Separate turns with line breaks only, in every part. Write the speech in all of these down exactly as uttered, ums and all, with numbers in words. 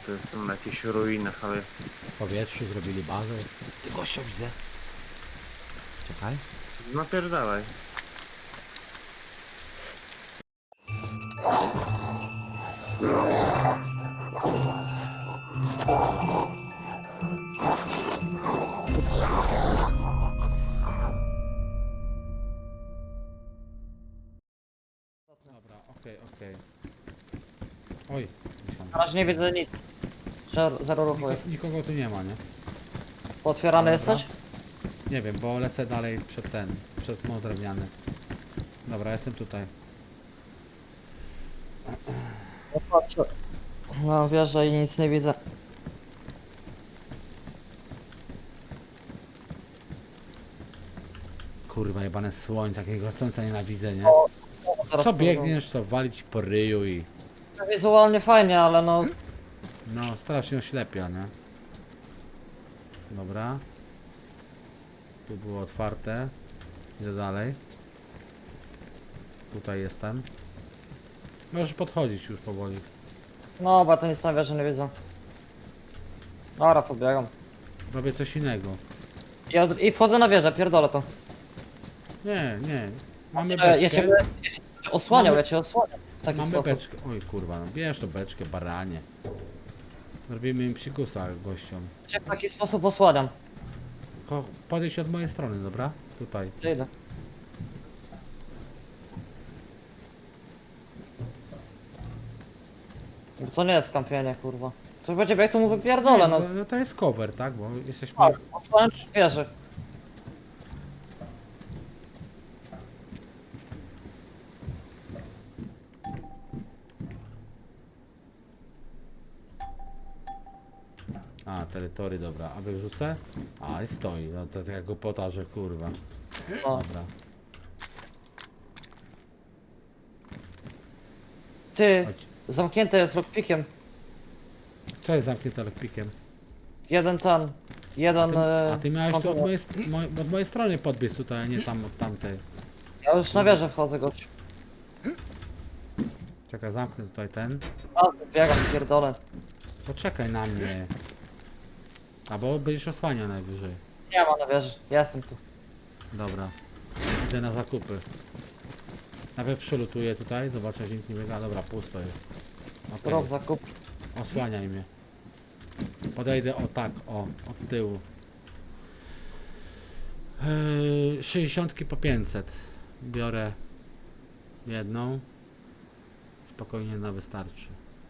to jestem na jakichś ruinach, ale
W powietrzu zrobili bazę. Ty gościa widzę. Czekaj.
napierdalaj.
Dobra, okej, okej. Oj, myślałem.
Na razie nie widzę nic. Zero, zero ruchu
Niko,
jest.
nikogo tu nie ma, nie?
Otwierany
Dobra.
jesteś?
Nie wiem, bo lecę dalej przed ten, przez most drewniany. Dobra, jestem tutaj.
No patrzę. No wierzę i nic nie widzę.
Kurwa, jebane słońce, jakiego słońca nienawidzę, nie?
Zaraz
Co
to
biegniesz, to walić po ryju i...
zrobię. Wizualnie fajnie, ale no...
No, strasznie oślepia, nie? Dobra. Tu było otwarte. Idę dalej. Tutaj jestem. Możesz podchodzić już powoli.
No, bo to nic na wieży nie widzę. Dobra, pobiegam.
Robię coś innego.
I, od... I wchodzę na wieżę, pierdolę to.
Nie, nie. Mamy
E, ja
beczkę.
cię, ja cię osłaniał,
Mamy-
ja cię osłaniam. W taki
Mamy
sposób.
beczkę. Oj kurwa, no bierz to beczkę, baranie. Zrobimy im psikusa gościom.
Ja cię w taki sposób osłaniam.
Ko- Podejdź od mojej strony, dobra? Tutaj.
Gdzie idę? Bo to nie jest kampienie, kurwa. To będzie jak to mu wypierdolę, no.
no, no to jest cover, tak? Bo jesteśmy...
Tak, osłaniam przy wieży.
A, terytory, dobra. A wyrzucę? A, i stoi. No to taka głupota, że kurwa.
No.
Dobra.
Ty,
Chodź.
zamknięte jest lockpickiem.
Co jest zamknięte lekpikiem?
Jeden ten,
A
jeden...
ty,
e,
a ty miałeś to od
kontroler.
mojej, st- moj, od mojej strony podbiec tutaj, a nie tam od tamtej.
Ja już na wieżę wchodzę, gość.
Czekaj, zamknę tutaj ten.
A, biegam, pierdolę.
Poczekaj na mnie. Albo będziesz osłaniał najwyżej.
Nie ma na wieży, ja jestem tu.
Dobra. Idę na zakupy. Nawet przylutuję tutaj, zobaczę, że nikt nie biega. Dobra, pusto jest. Okej,
Rok zakup.
osłaniaj mnie. Podejdę o tak, o, od tyłu. Yy, sześćdziesiątki po pięćset. Biorę jedną. Spokojnie na wystarczy.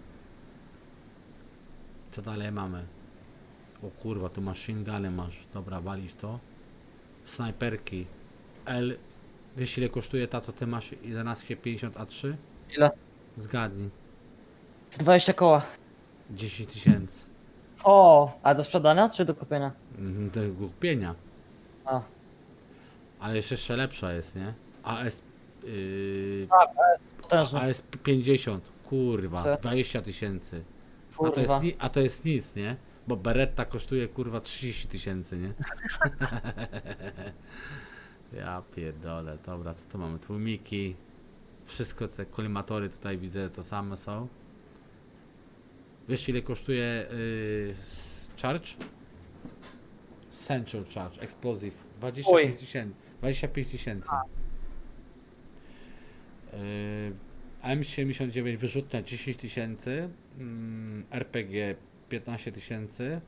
Co dalej mamy? O kurwa, tu machine guny masz. Dobra, walisz to. Snajperki. L. Wiesz ile kosztuje ta, co ty masz? jedenaście pięćdziesiąt A trzy?
Ile?
Zgadnij.
Z dwadzieścia koła.
dziesięć tysięcy.
O, a do sprzedania czy do kupienia?
Mhm, to głupienia.
A,
Ale jeszcze, jeszcze lepsza jest, nie? A S... Yy,
potężny.
A S pięćdziesiąt. Kurwa,
Co?
dwadzieścia tysięcy. A to, jest,
Kurwa.
ni- a to jest nic, nie? Bo Beretta kosztuje kurwa trzydzieści tysięcy, nie? Ja pierdolę, dobra, co tu mamy? Tłumiki. Wszystko te kolimatory tutaj widzę, to same są. Wiesz ile kosztuje yy, s- charge? Central Charge, Explosive. dwadzieścia pięć tysięcy. dwadzieścia pięć tysięcy. Yy, M siedemdziesiąt dziewięć wyrzutnia dziesięć tysięcy. Mm, R P G piętnaście tysięcy.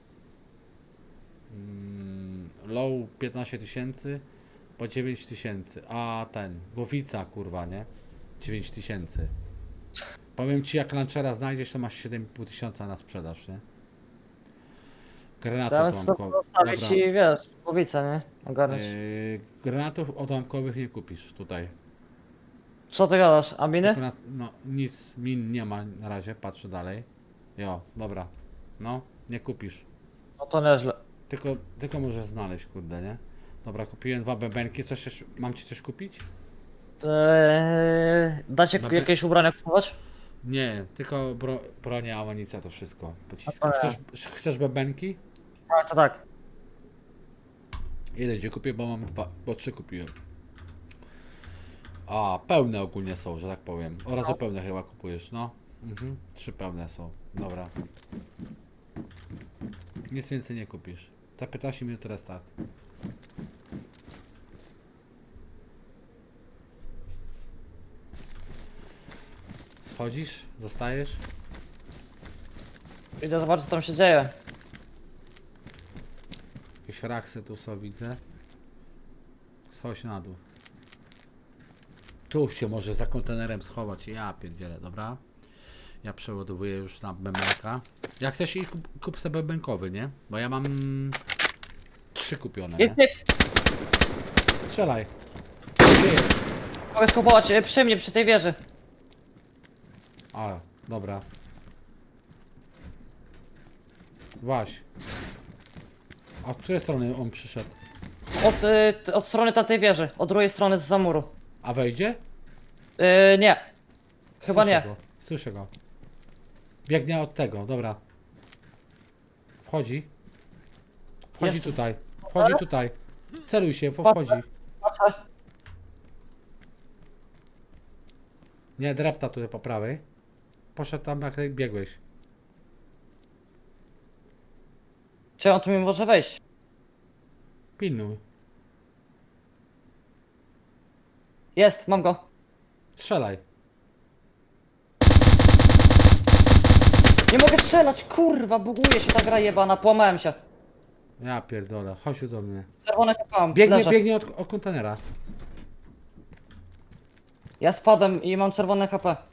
Mm, low piętnaście tysięcy. Po dziewięć tysięcy. A ten, głowica kurwa, nie? dziewięć tysięcy. Powiem ci, jak launchera znajdziesz, to masz siedem i pół tysiąca na sprzedaż, nie? Granatów
Zamiast to
odłamkowych.
zostawić
Dobra.
i wiesz, głowicę, nie? Ogarnąć.
Yy, granatów odłamkowych nie kupisz tutaj.
Co ty gadasz? A miny?
Tylko na, no nic, min nie ma na razie, patrzę dalej. Jo, dobra. No, nie kupisz.
No to nieźle.
Tylko, tylko możesz znaleźć, kurde, nie? Dobra, kupiłem dwa bębenki, coś jeszcze, mam ci coś kupić?
Eee, dacie
Dobra.
jakieś ubrania kupować?
Nie, tylko bro, bronia, amunicja, to wszystko. Pociski.
A to
Chcesz, chcesz bębenki?
Tak, to tak.
Jeden cię kupię, bo mam dwa, bo trzy kupiłem. A, pełne ogólnie są, że tak powiem. Oraz
No.
pełne chyba kupujesz, no. Mhm. Trzy pełne są. Dobra. Nic więcej nie kupisz. Za piętnaście minut restart. Schodzisz? Zostajesz?
Idę zobaczyć co tam się dzieje.
Jakieś raksy tu są, widzę. Schodź na dół. Tu się może za kontenerem schować. Ja pierdzielę, dobra? Ja przeładowuję już na bębenka. Jak chcesz i kup, kup sobie bębenkowy, nie? Bo ja mam trzy kupione,
Jest,
nie?
nie,
Strzelaj. Ty.
mogę skupować e, przy mnie, przy tej wieży.
A, dobra. Waś. A od której strony on przyszedł?
Od, y, t- od strony tamtej wieży, od drugiej strony z zamuru.
A wejdzie?
Yy, nie. Chyba
Słyszę
nie.
Go. Słyszę go. Biegnie od tego, dobra. Wchodzi. Wchodzi
Jest.
tutaj. Wchodzi tutaj. Celuj się, wchodzi.
Patrzę.
Nie, drepta tutaj po prawej. Poszedł tam, jak biegłeś.
Czy on tu mi może wejść?
Pilnuj.
Jest, mam go.
Strzelaj.
Nie mogę strzelać, kurwa, buguje się ta gra jebana, połamałem się.
Ja pierdolę, chodź tu do mnie.
Czerwone kapałam,
Biegnie,
leżę.
biegnie od, od kontenera.
Ja spadłem i mam czerwone H P.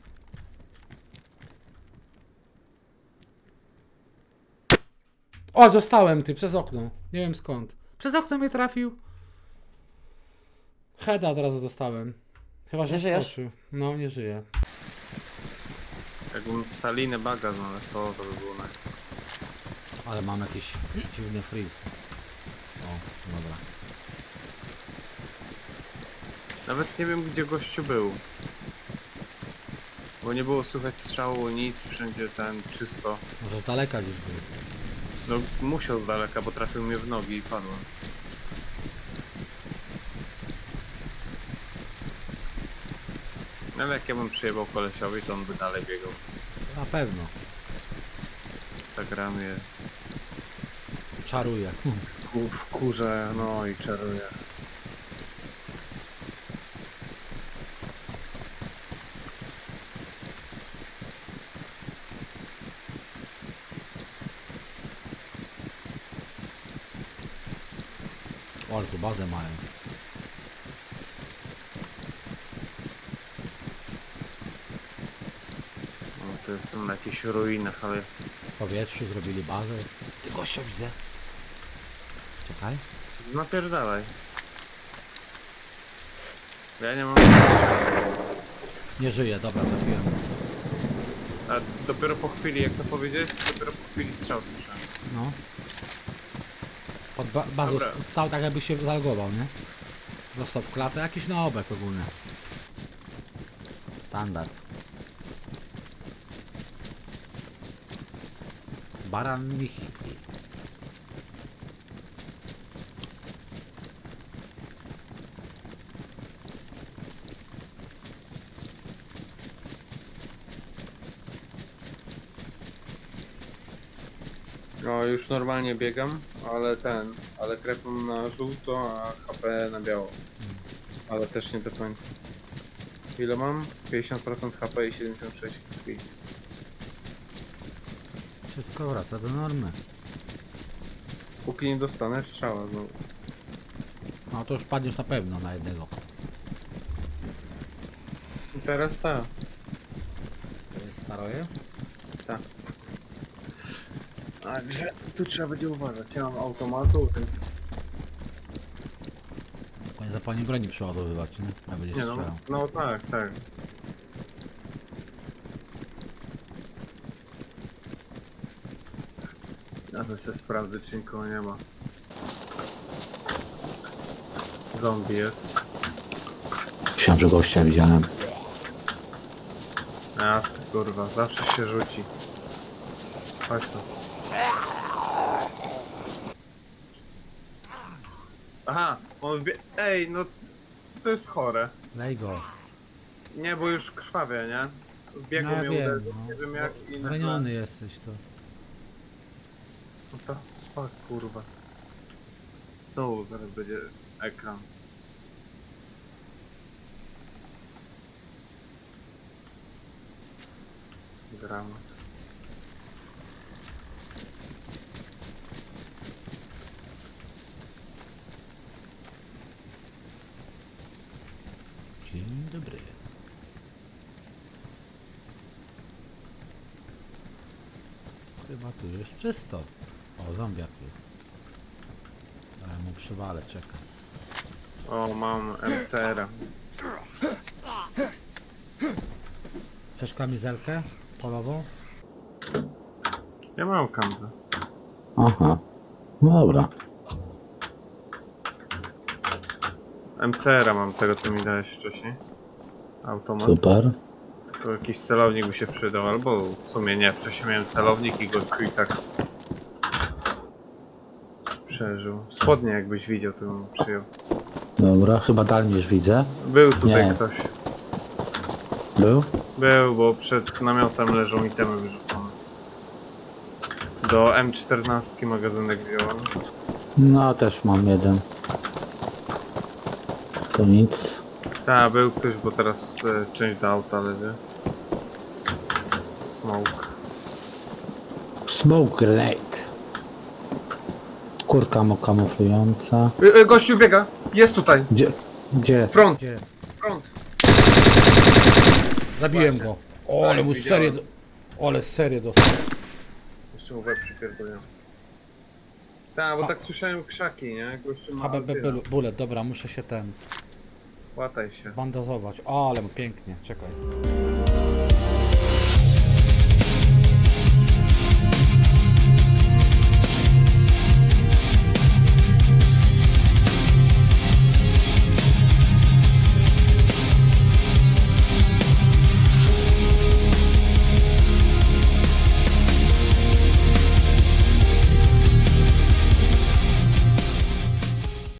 O, dostałem ty, przez okno. Nie wiem skąd. Przez okno mnie trafił. Heada od razu dostałem. Chyba, że
Nie żyjesz?
skoczył. No, nie żyje.
Jakbym salinę baga znalazł, to to by było naj...
Ale mam jakiś dziwny freeze. O, dobra.
Nawet nie wiem gdzie gościu był. Bo nie było słychać strzału, nic, wszędzie ten czysto.
Może z daleka gdzieś był.
No musiał z daleka, bo trafił mnie w nogi i padłem. No ale jak ja bym przyjebał kolesiowi, to on by dalej biegał.
Na pewno.
Ta gra mnie
Czaruje.
ku- wkurza, no i czaruje.
O, ale tu bazę mają.
No to jestem na jakichś ruinach, ale
W powietrzu zrobili bazę. Ty gościa widzę. Czekaj.
napierdalaj. Ja nie mam...
Nie żyje, dobra, trafiłem.
A dopiero po chwili, jak to powiedzieć, dopiero po chwili strzał słyszałem.
No. Pod ba bazą
Dobra.
s- stał tak jakby się zalogował, nie? Dostał w klatę, jakiś naobek ogólny. Standard. Baran Michi.
No już normalnie biegam, ale ten, ale krew mam na żółto, a H P na biało. Ale też nie do końca. Ile mam? pięćdziesiąt procent H P i siedemdziesiąt sześć krwi.
Wszystko wraca do normy.
Póki nie dostanę strzała znowu.
No to już padniesz na pewno na jednego.
I teraz ta.
To jest staroje?
Tak. Także tu trzeba będzie uważać. Ja mam automatu, więc...
Nie zapomnij broni przeładowywać, nie? A będziesz
Nie no,
strzelał.
no tak, tak. Nawet sobie sprawdzę, czy nikogo nie ma. Zombie jest.
Myślałem, że gościa widziałem.
Jasne, kurwa, zawsze się rzuci. Chodź tu. Aha, on wbie... Ej, no to jest chore.
Lej go.
Nie, bo już krwawie, nie? biegł
No ja
mnie
wiem,
uderzył,
no.
nie wiem jak i nagle-
Zraniony jesteś to.
No to, fuck, kurwa. Co, zaraz będzie ekran. Dramat.
Dzień dobry. Chyba tu jest czysto. O, zombiak jest. Ale mu przywalę, czekaj.
O, mam M C R-a.
Chcesz kamizelkę polową?
Ja mam kamzę.
Aha. No dobra.
M C R-a mam tego co mi dałeś wcześniej. Automat.
Super.
To jakiś celownik by się przydał, albo w sumie nie. Wcześniej miałem celownik i gościu i tak przeżył. Spodnie jakbyś widział, to bym przyjął.
Dobra, chyba dalej już widzę.
Był tutaj
Nie.
ktoś.
Był?
Był, bo przed namiotem leżą itemy wyrzucone. Do M czternaście magazynek wziąłem.
No, też mam jeden. To nic.
Tak, był ktoś, bo teraz e, część do auta leży. Smoke.
Smoke grenade. Kurtka mu kamuflująca.
Y, y, gościu biega! Jest tutaj!
Gdzie? Gdzie?
Front!
Gdzie?
Front!
Zabiłem
Właśnie.
go. O, ale
Tak,
mu
widziałem.
serię... Do... Ale serię dostał.
Jeszcze mu łeb przypierdolę. Tak, bo
Ha.
tak słyszałem krzaki, nie? Gościu ma
H B B
altyna.
bul- bullet, dobra, muszę się ten...
Łataj się.
bandażować. O, ale mu pięknie, czekaj.